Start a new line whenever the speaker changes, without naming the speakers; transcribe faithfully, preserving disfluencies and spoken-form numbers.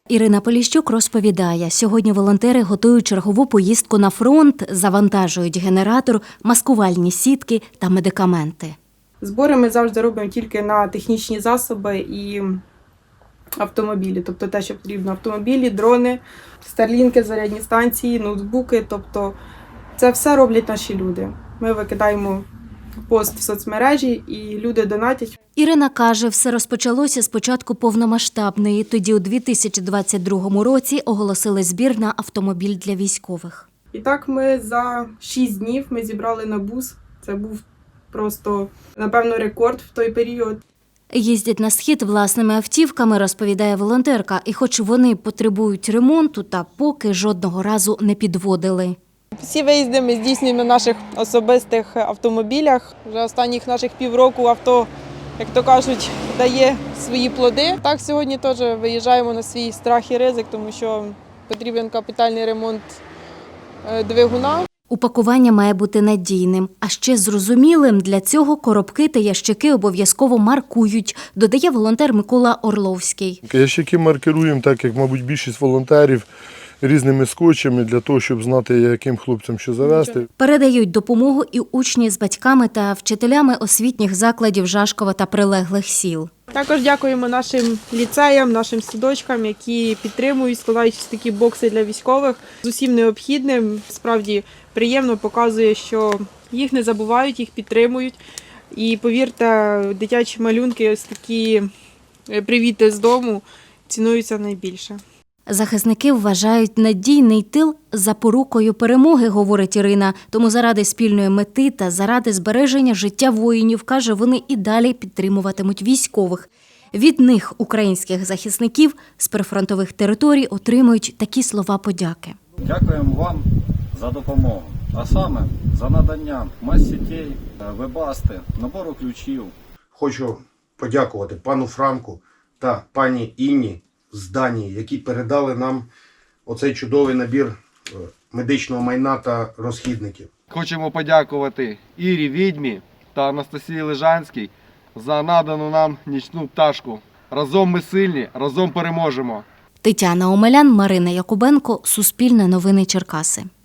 Ірина Поліщук розповідає, сьогодні волонтери готують чергову поїздку на фронт, завантажують генератор, маскувальні сітки та медикаменти.
Збори ми завжди робимо тільки на технічні засоби і автомобілі. Тобто те, що потрібно: автомобілі, дрони, старлінки, зарядні станції, ноутбуки. Тобто це все роблять наші люди. Ми викидаємо пост в соцмережі і люди донатять.
Ірина каже, все розпочалося з початку повномасштабної. Тоді у дві тисячі двадцять другому році оголосили збір на автомобіль для військових.
І так ми за шість днів ми зібрали на бус. Це був просто, напевно, рекорд в той період.
Їздять на схід власними автівками, розповідає волонтерка. І хоч вони потребують ремонту, та поки жодного разу не підводили.
Всі виїзди ми здійснюємо на наших особистих автомобілях. Вже останніх наших півроку авто, як то кажуть, дає свої плоди. Так, сьогодні теж виїжджаємо на свій страх і ризик, тому що потрібен капітальний ремонт двигуна.
Упакування має бути надійним, а ще зрозумілим. Для цього коробки та ящики обов'язково маркують, додає волонтер Микола Орловський.
Ящики маркируємо, так як, мабуть, більшість волонтерів, різними скотчами для того, щоб знати, яким хлопцям що завезти.
Передають допомогу і учні з батьками та вчителями освітніх закладів Жашкова та прилеглих сіл.
Також дякуємо нашим ліцеям, нашим садочкам, які підтримують, складаючи такі бокси для військових з усім необхідним. Справді приємно, показує, що їх не забувають, їх підтримують. І повірте, дитячі малюнки, ось такі привіти з дому цінуються найбільше.
Захисники вважають надійний тил запорукою перемоги, говорить Ірина. Тому заради спільної мети та заради збереження життя воїнів, каже, вони і далі підтримуватимуть військових. Від них, українських захисників з прифронтових територій, отримують такі слова подяки.
Дякуємо вам за допомогу, а саме за надання мас-сітей, вебасти, набору ключів.
Хочу подякувати пану Франку та пані Інні з Данії, які передали нам оцей чудовий набір медичного майна та розхідників.
Хочемо подякувати Ірі Відьмі та Анастасії Лежанській за надану нам нічну пташку. Разом ми сильні, разом переможемо.
Тетяна Омелян, Марина Якубенко, Суспільне новини Черкаси.